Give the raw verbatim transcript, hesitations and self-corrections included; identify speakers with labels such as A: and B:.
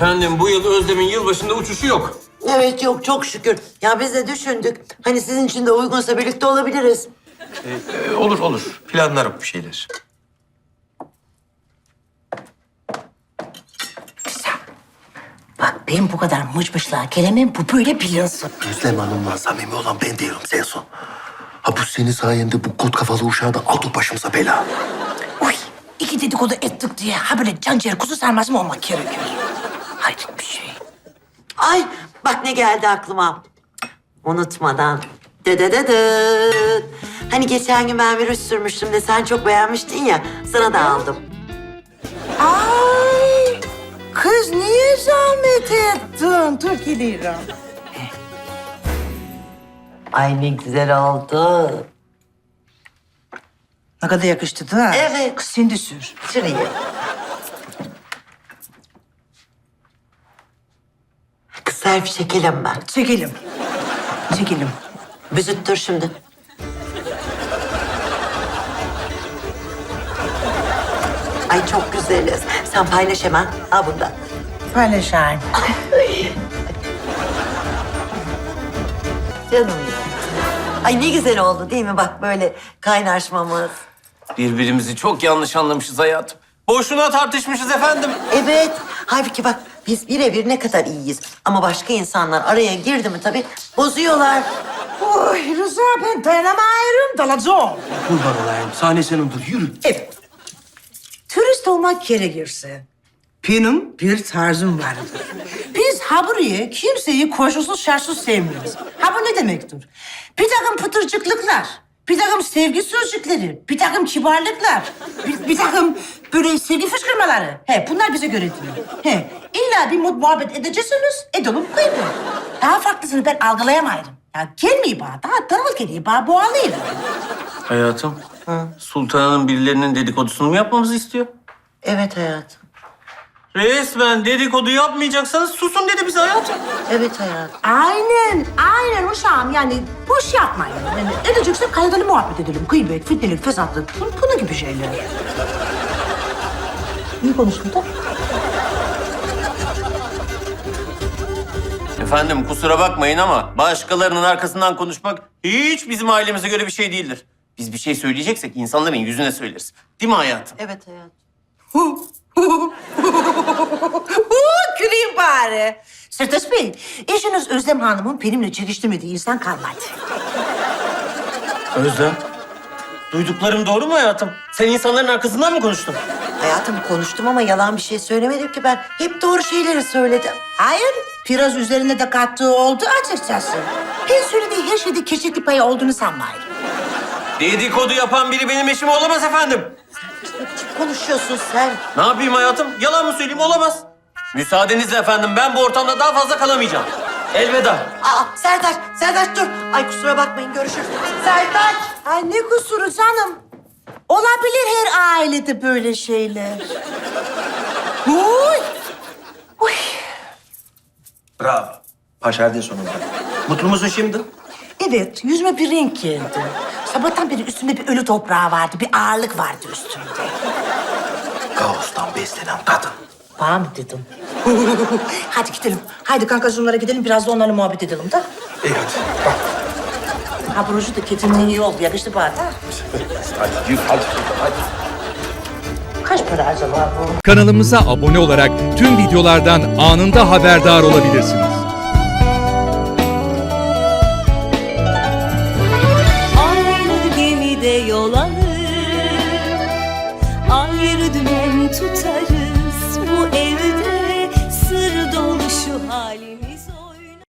A: Efendim bu yıl Özlem'in yılbaşında uçuşu yok.
B: Evet yok çok şükür. Ya biz de düşündük. Hani sizin için de uygunsa birlikte olabiliriz.
C: Ee, olur olur. Planlarım bir şeyler.
D: Bak ben bu kadar mıçmışlığa gelemem, bu böyle bilinsin.
E: Özlem Hanım'la samimi olan ben değilim Senson. Ha bu senin sayende bu kut kafalı uşağı da aldı başımıza bela.
D: Uy, iki dedikodu ettik diye ha böyle can ciğer kuzu sarması mı olmak gerekiyor? Hayret bir şey.
B: Ay bak ne geldi aklıma. Unutmadan. Dıdıdıdıt. Hani geçen gün ben virüs sürmüştüm de sen çok beğenmiştin ya. Sana da aldım.
D: Ay, kız niye zahmet ettin? Dur geliyorum.
B: Ay ne güzel oldu.
D: Ne kadar yakıştı da.
B: Evet.
D: Kız sen de sür.
B: Şurayı. Kız selfie çekelim ben.
D: Çekelim. Çekelim.
B: Büzüttür şimdi. Ay çok güzeliz. Sen paylaş hemen. Al bundan.
D: Paylaşayım.
B: Canım ya. Ay ne güzel oldu değil mi? Bak böyle kaynaşmamız.
A: Birbirimizi çok yanlış anlamışız hayatım. Boşuna tartışmışız efendim.
B: Evet. Halbuki bak biz birebir ne kadar iyiyiz. Ama başka insanlar araya girdi mi tabii bozuyorlar.
D: Oy Rıza ben dayanamıyorum, dalacağım.
E: Kurban olayım. Sahne senindir. Yürü.
D: Evet. Turist olmak gerekirse benim bir tarzım vardır. Biz ha buraya kimseyi koşulsuz şartsız sevmiyoruz. Ha bu ne demektir? Bir takım pıtırcıklıklar, bir takım sevgi sözcükleri, bir takım kibarlıklar, bir, bir takım böyle sevgi fışkırmaları. He, bunlar bize göre değil. He, illa bir mut muhabbet edeceksiniz, edelim kıydı. Daha farklısını ben algılayamayırım. Ya gelmeyi bana, daha tanıl geliyor bana, boğalayım.
A: Hayatım, Sultan'ın birilerinin dedikodusunu mu yapmamızı istiyor?
B: Evet hayatım.
A: Resmen dedikodu yapmayacaksanız susun dedi bize hayatım.
B: Evet hayatım.
D: Aynen, aynen uşağım. Yani boş yapmayın. Yani edeceksek kaydalı muhabbet edelim. Gıybet, fitnelik, fesatlık, bu- bunun gibi şeyler. İyi konuştun da.
A: Efendim kusura bakmayın ama başkalarının arkasından konuşmak hiç bizim ailemize göre bir şey değildir. Biz bir şey söyleyeceksek insanların yüzüne söyleriz. Değil mi hayatım?
B: Evet hayatım.
D: Güleyim bari. Sırtaş Bey, eşiniz Özlem Hanım'ın benimle çekiştirmediği insan kalmadı.
A: Özlem, duyduklarım doğru mu hayatım? Sen insanların arkasından mı konuştun?
B: Hayatım konuştum ama yalan bir şey söylemedim ki ben. Hep doğru şeyleri söyledim.
D: Hayır, biraz üzerine de kattığı oldu açıkçası. Ben söylediği her şeyde keşekli payı olduğunu sanmayın.
A: Dedikodu yapan biri benim eşim olamaz efendim.
B: Ne biçim konuşuyorsun sen?
A: Ne yapayım hayatım? Yalan mı söyleyeyim? Olamaz. Müsaadenizle efendim ben bu ortamda daha fazla kalamayacağım. Elveda.
B: Aa Serdar, Serdar dur. Ay kusura bakmayın görüşürüz. Serdar.
D: Ay ne kusuru canım. Olabilir her ailede böyle şeyler. Uy. Uy.
C: Bravo. Başardın sonunda. Mutlu musun şimdi?
D: Evet, yüzüme bir renk geldi. Sabahtan beri üstümde bir ölü toprağı vardı, bir ağırlık vardı üstümde.
E: Kaostan beslenen kadın.
D: Bana mı dedim? Hadi gidelim. Haydi kankacığımlara gidelim, biraz da onlarla muhabbet edelim de.
E: İyi hadi.
D: Ha broşu da ketimden iyi oldu, yakıştı bana da.
E: Hadi yürü hadi. Hadi.
D: Kaç para acaba bu?
F: Kanalımıza abone olarak tüm videolardan anında haberdar olabilirsiniz.
G: Aynı gemide yol alır, ayrı dümen tutarız.